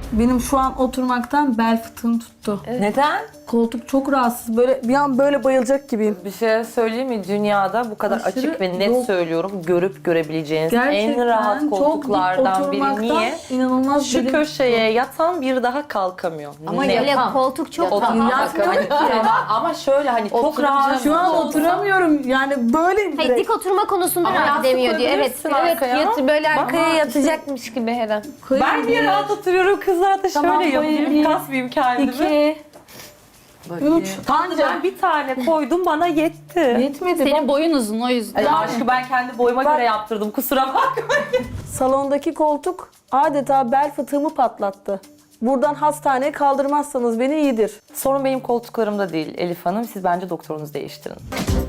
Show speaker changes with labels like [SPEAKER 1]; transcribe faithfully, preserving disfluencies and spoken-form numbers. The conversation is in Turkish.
[SPEAKER 1] Benim şu an oturmaktan bel fıtığım tuttu.
[SPEAKER 2] Neden?
[SPEAKER 1] Koltuk çok rahatsız. Böyle bir an böyle bayılacak gibiyim.
[SPEAKER 2] Bir şey söyleyeyim mi? Dünyada bu kadar
[SPEAKER 1] Aşırı
[SPEAKER 2] açık ve net
[SPEAKER 1] yok.
[SPEAKER 2] söylüyorum. Görüp görebileceğiniz
[SPEAKER 1] Gerçekten
[SPEAKER 2] en rahat
[SPEAKER 1] çok
[SPEAKER 2] koltuklardan
[SPEAKER 1] dik
[SPEAKER 2] biri.
[SPEAKER 1] oturmaktan
[SPEAKER 2] Niye?
[SPEAKER 1] inanılmaz
[SPEAKER 2] Şu
[SPEAKER 1] belim
[SPEAKER 2] köşeye yatan bir daha kalkamıyor.
[SPEAKER 3] Ama
[SPEAKER 2] Net.
[SPEAKER 3] öyle
[SPEAKER 4] Yatan.
[SPEAKER 3] koltuk çok
[SPEAKER 2] Yatan.
[SPEAKER 3] rahat.
[SPEAKER 1] Yatmıyorum ki.
[SPEAKER 2] ama, ama şöyle hani çok
[SPEAKER 4] Oturacağım.
[SPEAKER 2] rahat.
[SPEAKER 1] Şu an oturamıyorum. Yani böyleyim
[SPEAKER 3] Hayır,
[SPEAKER 1] direkt.
[SPEAKER 3] dik oturma konusunda
[SPEAKER 2] Ama
[SPEAKER 3] rahat
[SPEAKER 2] yastık
[SPEAKER 3] demiyor diyor. Evet.
[SPEAKER 2] koyabilirsin
[SPEAKER 3] Evet.
[SPEAKER 2] arkaya.
[SPEAKER 3] yat- böyle arkaya
[SPEAKER 2] Bak,
[SPEAKER 3] yatacakmış gibi her an.
[SPEAKER 2] Ben niye rahat oturuyorum kızlar da
[SPEAKER 1] Tamam,
[SPEAKER 2] şöyle yapayım,
[SPEAKER 1] koyayım.
[SPEAKER 2] kasmayayım kendimi.
[SPEAKER 1] İki, üç.
[SPEAKER 2] Ben bir tane koydum bana yetti.
[SPEAKER 1] Yetmedi.
[SPEAKER 4] Senin boyun uzun o yüzden.
[SPEAKER 2] Ay, aşkı ben kendi boyuma
[SPEAKER 1] Bak-
[SPEAKER 2] göre yaptırdım kusura bakmayın.
[SPEAKER 1] Salondaki koltuk adeta bel fıtığımı patlattı. Buradan hastaneye kaldırmazsanız beni iyidir.
[SPEAKER 2] Sorun benim koltuklarımda değil Elif Hanım. Siz bence doktorunuzu değiştirin.